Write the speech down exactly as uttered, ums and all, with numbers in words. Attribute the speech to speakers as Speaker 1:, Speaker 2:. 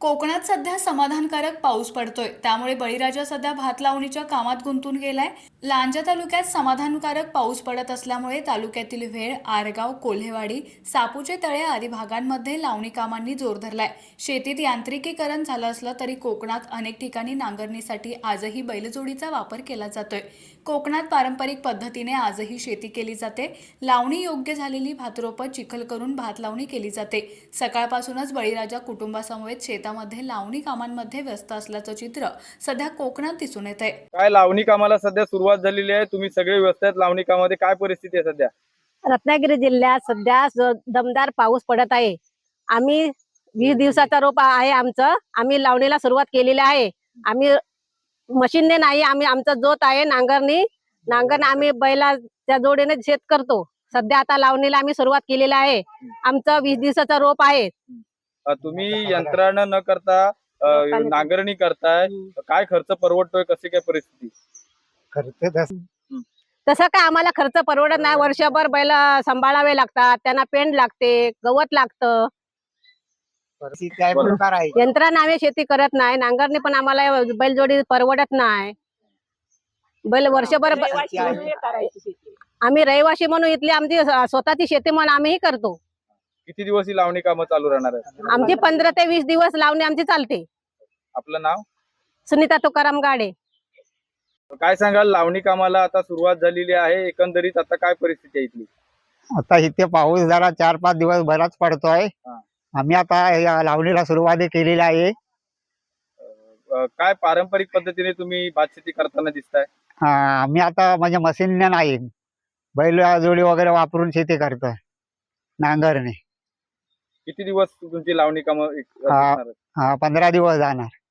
Speaker 1: कोकणात सध्या समाधानकारक पाऊस पडतोय, त्यामुळे बळीराजा सध्या भात लावणीच्या कामात गुंतून गेलाय. लांजा तालुक्यात समाधानकारक पाऊस पडत असल्यामुळे तालुक्यातील वेळ, आरगाव, कोल्हेवाडी, सापूचे तळे आदी भागांमध्ये लावणी कामांनी जोर धरलाय. शेतीत यांत्रिकीकरण झालं असलं तरी कोकणात अनेक ठिकाणी नांगरणीसाठी आजही बैलजोडीचा वापर केला जातोय. कोकणात पारंपरिक पद्धतीने आजही शेती केली जाते. लावणी योग्य झालेली भातरोपं चिखल करून भात लावणी केली जाते. सकाळपासूनच बळीराजा कुटुंबासमवेत शेतामध्ये लावणी कामांमध्ये व्यस्त असल्याचं चित्र सध्या कोकणात दिसून येत आहे.
Speaker 2: काय लावणी कामाला सध्या सुरुवात झालेली आहे? तुम्ही सगळे व्यस्त आहेत लावणी कामामध्ये. काय परिस्थिती आहे सध्या?
Speaker 3: रत्नागिरी जिल्ह्यात सध्या ज- दमदार पाऊस पडत आहे. आम्ही वीस दिवसाचा रोप आहे आमचं. आम्ही लावणीला सुरुवात केलेली आहे. आम्ही मशीनने नाही, आम्ही आमचा जोत आहे नांगरणी. नांगरण आम्ही बैलाच्या जोडीने शेत करतो. सध्या आता लावणीला आम्ही सुरुवात केलेली आहे. आमचं वीस दिवसाचा रोप आहे.
Speaker 2: अ, तुम्ही यंत्रानं न करता अ, नांगरणी करताय. काय खर्च परवडतोय? कशी काय परिस्थिती?
Speaker 4: खर्च तस-
Speaker 3: तसं काय आम्हाला खर्च परवडत नाही. वर्षभर बैल सांभाळावे लागतात, त्यांना पेंड लागते, गवत लागतं.
Speaker 4: परिस्थिती काय प्रकार आहे.
Speaker 3: यंत्राने आम्ही शेती करत नाही. नांगरणी पण आम्हाला बैलजोडी परवडत नाही. बैल वर्षभर ब- आम्ही रहिवासी म्हणून इथली आमची स्वतःची शेती म्हणून आम्हीही करतो.
Speaker 2: किती दिवस ही लावणी कामं चालू राहणार आहे?
Speaker 3: आमची पंधरा ते वीस दिवस लावणी आमची चालते.
Speaker 2: आपलं नाव?
Speaker 3: सुनीता तुकाराम गाडे.
Speaker 2: काय सांगाल? लावणी कामाला आता सुरुवात झालेली आहे. एकंदरीत आता काय परिस्थिती आहे इथली?
Speaker 4: आता इथे पाऊस जरा चार पाच दिवस बराच पडतोय.
Speaker 2: हा.
Speaker 4: आम्ही आता या लावणीला सुरुवात केलेली आहे.
Speaker 2: अ, काय पारंपरिक पद्धतीने तुम्ही भात शेती करताना दिसताय?
Speaker 4: हा, आम्ही आता म्हणजे मशीनने नाही, बैल जोडी वगैरे वापरून शेती करतोय नांगरणे.
Speaker 2: किती दिवस तुमची लावणी कामं एक-
Speaker 4: हा.
Speaker 2: असणार आहेत?
Speaker 4: हा, पंधरा दिवस जाणार.